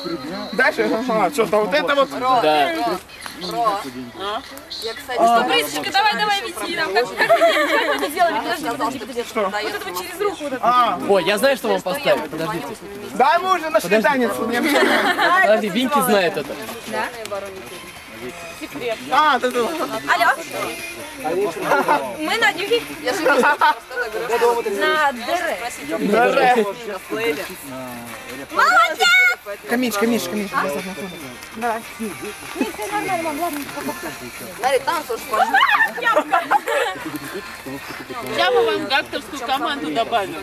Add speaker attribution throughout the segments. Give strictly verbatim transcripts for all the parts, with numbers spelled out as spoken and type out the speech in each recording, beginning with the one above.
Speaker 1: Дальше, ага, что-то вот это вот.
Speaker 2: Да.
Speaker 3: Ро. Я, кстати,
Speaker 4: Что, Брисочка, давай, давай, веди нам. Как, как, как вы это делали? Подожди, подожди, подожди.
Speaker 1: Что?
Speaker 4: Вот это вот через руку. Вот это.
Speaker 1: А,
Speaker 2: Ой, я знаю, что вам поставить. Подождите.
Speaker 1: да, мы уже нашли танец. Не обижайся.
Speaker 2: Подожди, Винки знает это.
Speaker 4: Секрет.
Speaker 1: А, ты тут.
Speaker 4: Алло. Мы на дюхе.
Speaker 3: Я же просто говорю,
Speaker 4: На ДР.
Speaker 1: Даже.
Speaker 4: Молодец!
Speaker 1: Камиш, камиш, камиш.
Speaker 4: Давай. Нет, все нормально, мам, ладно.
Speaker 3: Смотри, там тоже пошли.
Speaker 5: Я бы вам гакторскую команду добавил.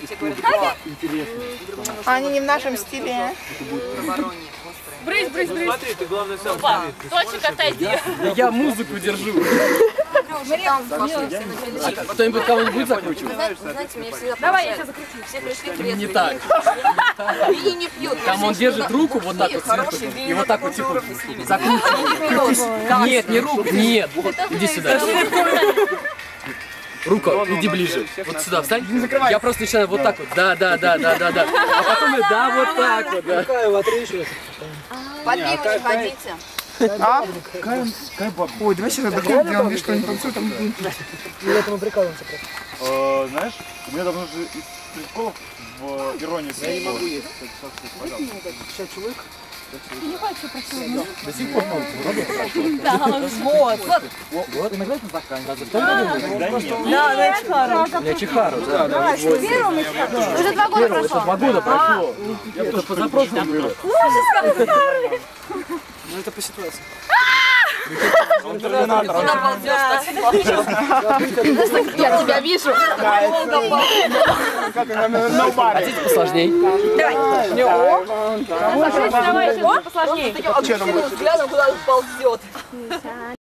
Speaker 1: Они не в нашем стиле.
Speaker 4: Брысь, брысь, брысь.
Speaker 5: Смотри, ты главное сам смотри.
Speaker 4: Точек отойди.
Speaker 2: Я музыку держу.
Speaker 3: Там пошли, все начали.
Speaker 2: Кто-нибудь кого-нибудь закручивает?
Speaker 3: Знаете, знаете, меня всегда
Speaker 4: Давай, я
Speaker 3: поражает.
Speaker 4: тебя закручу.
Speaker 3: Все пришли трезвые.
Speaker 2: Не так.
Speaker 3: Вини не пьют.
Speaker 2: Там он держит руку вот так вот сверху. И вот так вот типа закручивает. Нет, не руку, нет. Иди сюда. Рука, иди ближе. Вот сюда встань. Я просто начинаю вот так вот. Да, да, да, да, да, да. А потом я, да, вот так вот, да.
Speaker 3: Под пиво не ходите.
Speaker 1: А? Ой, давай сейчас такое делаем, видишь, что-нибудь танцует, там...
Speaker 6: Э, знаешь, у меня давно же из приколов в иронии. Я не могу есть.
Speaker 2: До сих пор могу.
Speaker 4: Вот.
Speaker 2: Вот. Иногда это заканчивается.
Speaker 4: Да, да, Чехару.
Speaker 2: Я Чехару, да. Да,
Speaker 4: Уже два года прошло.
Speaker 2: это два года прошло. Это позапрошлом было.
Speaker 1: Ну это по ситуации.
Speaker 3: Он ползешь,
Speaker 4: Я тебя вижу.
Speaker 2: Хотите посложней?
Speaker 4: Давай. Давай, давай, посложнее.
Speaker 3: таким взглядом, куда он ползет.